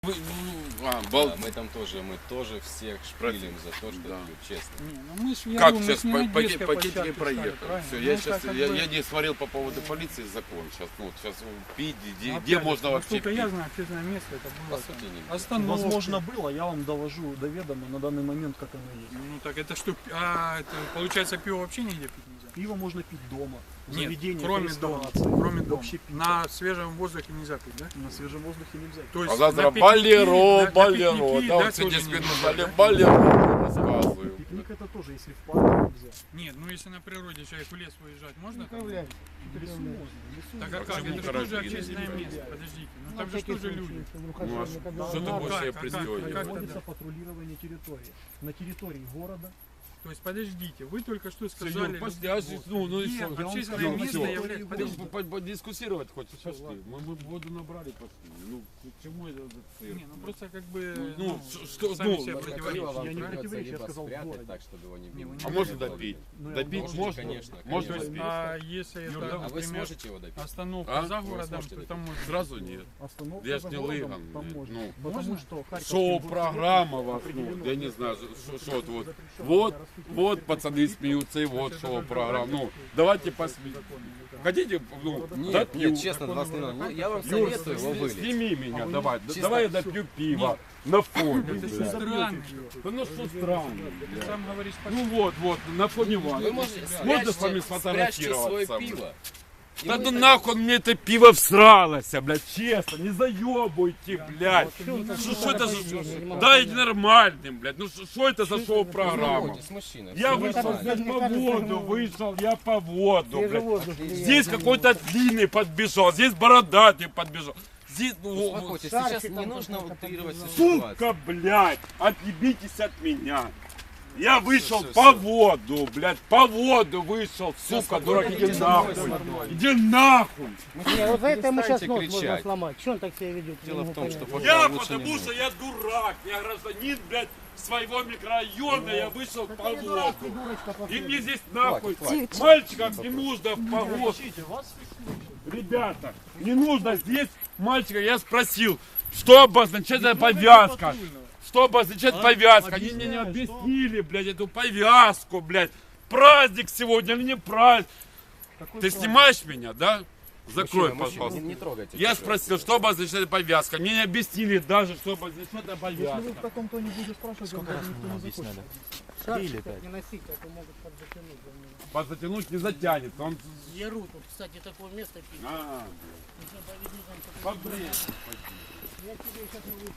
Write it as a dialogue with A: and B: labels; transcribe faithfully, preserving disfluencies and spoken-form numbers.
A: Вы, а, бал...
B: Да, мы там тоже, мы тоже всех шпилим за то, что
A: Да.
B: пьют, честно.
C: Не, ну мы ж, я
A: Как
C: думаю, мы
A: сейчас
C: ж не на
A: пакет,
C: детской
A: пакетики
C: площадке
A: проехали?
C: стали, правильно?
A: Все,
C: Ну,
A: я
C: так
A: сейчас
C: как
A: я,
C: бы-
A: я не смотрел по поводу полиции закон. Сейчас, ну, вот сейчас пить, где,
C: Ну,
A: где
C: опять же,
A: можно вообще
C: насколько
A: пить?
C: я знаю, общественное место это было
B: По
C: там
B: сути, нигде.
C: остановки.
D: Возможно, было, я вам довожу до ведома на данный момент, как оно есть.
C: Ну так это что, а, это, получается пиво вообще нигде пить нельзя?
D: Пиво можно пить дома, в
C: Нет,
D: заведениях,
C: кроме дома,
D: реставрации,
C: кроме дома.
D: вообще пить.
C: На свежем воздухе нельзя пить, да?
D: На свежем воздухе нельзя.
C: То есть
A: А завтра
C: на пикники,
A: болеро,
C: на- на
A: болеро.
C: пикники,
A: Да, вот
C: тоже
A: сегодня
C: нельзя,
A: сказали
C: да?
A: болеро, рассказываю.
D: Пикник это тоже, если в парке нельзя.
C: Нет, ну если на природе человек в лес выезжать, можно? там?
D: В лесу можно, в лесу
C: Так
D: нельзя.
C: а как?
A: почему
C: Это же
A: карантин
C: тоже общественное
A: нельзя?
C: место, подождите. Ну там же тоже люди.
A: Ну, а что ты
C: Ну,
A: будешь
C: как,
A: себе
C: а как,
A: представить?
C: а как
D: Проводится
C: тогда?
D: патрулирование территории. На территории города.
C: То есть подождите, вы только что
A: Серьёз,
C: сказали...
A: пошли, а здесь, ну, ну и
C: Нет,
A: что?
C: общественное
D: Ну,
C: место
D: всё.
C: является...
A: Ты
C: Подождите.
A: по- по- Дискуссировать хочешь?
D: Всё,
A: Пошли.
D: ладно.
A: Мы, мы воду набрали, пошли. Ну, к чему это этот цирк?
C: Не, ну просто как бы...
A: Ну, ш- что,
C: сами
A: ну,
C: себе
A: ну,
C: противоречите,
D: я не
C: правильно?
D: противоречу, я сказал, в
B: спрятать
D: городе.
B: так, чтобы его не
C: Не,
B: били.
C: вы не
A: А можно допить?
D: Ну, я
A: Допить
D: можете,
A: можно?
B: конечно,
A: Можно
B: конечно.
A: допить?
C: А если это,
A: Юра,
B: А вы
C: например,
B: сможете его допить?
C: остановка
A: А?
C: за
B: Вы
C: городом,
B: сможете
C: то
B: допить?
C: там можно...
A: Сразу нет.
D: Остановка
A: Я ж
D: за
A: не
D: городом,
A: лыган,
D: там
A: блядь,
D: можно.
A: ну.
D: Потому
C: Можно?
D: что Харьковский
A: Шоу-программа
D: горсовет
A: вас, ну,
D: определено.
A: я не знаю, что, что вот, вот,
D: Запрещено
A: вот,
D: распитие
A: вот
D: спиртных
A: пацаны
D: напитков.
A: смеются, и вот
C: Это
A: шоу-программа.
C: только
A: Ну, давайте посмеем. Хотите, ну,
B: Нет,
A: допью.
B: нет, честно, вас не надо. Ну, я вам
A: Юр,
B: советую его
A: с-
B: вылить.
A: сними меня,
D: А вы
A: давай,
B: чисто-
A: давай я допью пиво на фоне.
C: Это
A: блядь.
C: же странно.
A: Да ну что странно,
C: Ты
A: блядь.
C: сам говоришь,
A: Ну вот, вот, на фоне вас.
B: Вы можете
A: Можно с вами
B: спрячьте, спрячьте свое
A: сфотографироваться?
B: пиво. И
A: Да
B: вы
A: ну
B: так-
A: нахуй мне это пиво всралось, блядь, честно, не заебуйте, блядь. Что что это за... Дайте нормальным, блядь, ну что это за шоу-программа?
B: Успокойтесь, мужчина.
A: Я
B: всё
A: вышел,
B: нормально.
A: блядь, по воду, вышел, я по воду, блядь.
B: Отлично.
A: Здесь какой-то длинный подбежал, здесь бородатый подбежал. Здесь, ну, вот,
B: Успокойтесь, сейчас не нужно утрировать всю ситуацию.
A: сука, блядь, отъебитесь от меня. Я вышел
B: всё,
A: по
B: всё.
A: воду, блядь, по воду вышел, сука,
B: спокойно,
A: дурак, иди
B: идите
A: нахуй.
B: домой.
A: Иди нахуй.
E: Не, вот за это ему сейчас
B: Перестаньте
E: нос можно
B: кричать.
E: сломать. Что он так себя ведет?
B: Дело
E: Не
B: в
E: могу
B: том,
E: понять.
B: что вот
A: Я
B: лучше не
A: потому
B: нужно.
A: что я дурак, я гражданин, блядь, своего микрорайона, я вышел по воду. И мне здесь нахуй,
B: хватит.
A: мальчикам не нужно в погоду.
D: Ищите, вас фиксируют.
A: Ребята, не нужно здесь мальчика, я спросил, что обозначает эта повязка? Что обозначает
D: А?
A: повязка? Они мне не
D: Объясняй,
A: объяснили, блядь, эту повязку, блядь. Праздник сегодня или не праздник?
D: Какой
A: Ты
D: праздник?
A: снимаешь меня, да? Закрой,
B: Мужчина, мужчина,
A: пожалуйста.
B: Не, не трогайте.
A: Я
B: чужое.
A: спросил, что обозначает повязка. Мне не объяснили даже, что обозначает эта
D: Если вы в
A: повязка.
D: таком тоне будете спрашивать, вам даже никто не захочет.
E: Шарфик так не носить, а то могут подзатянуть.
A: Подзатянуть не затянет. Он...
E: Яру тут, кстати, такое место пить.
A: А,
E: Нужно повезти там, чтобы-
A: побрей.
E: Я тебе сейчас могу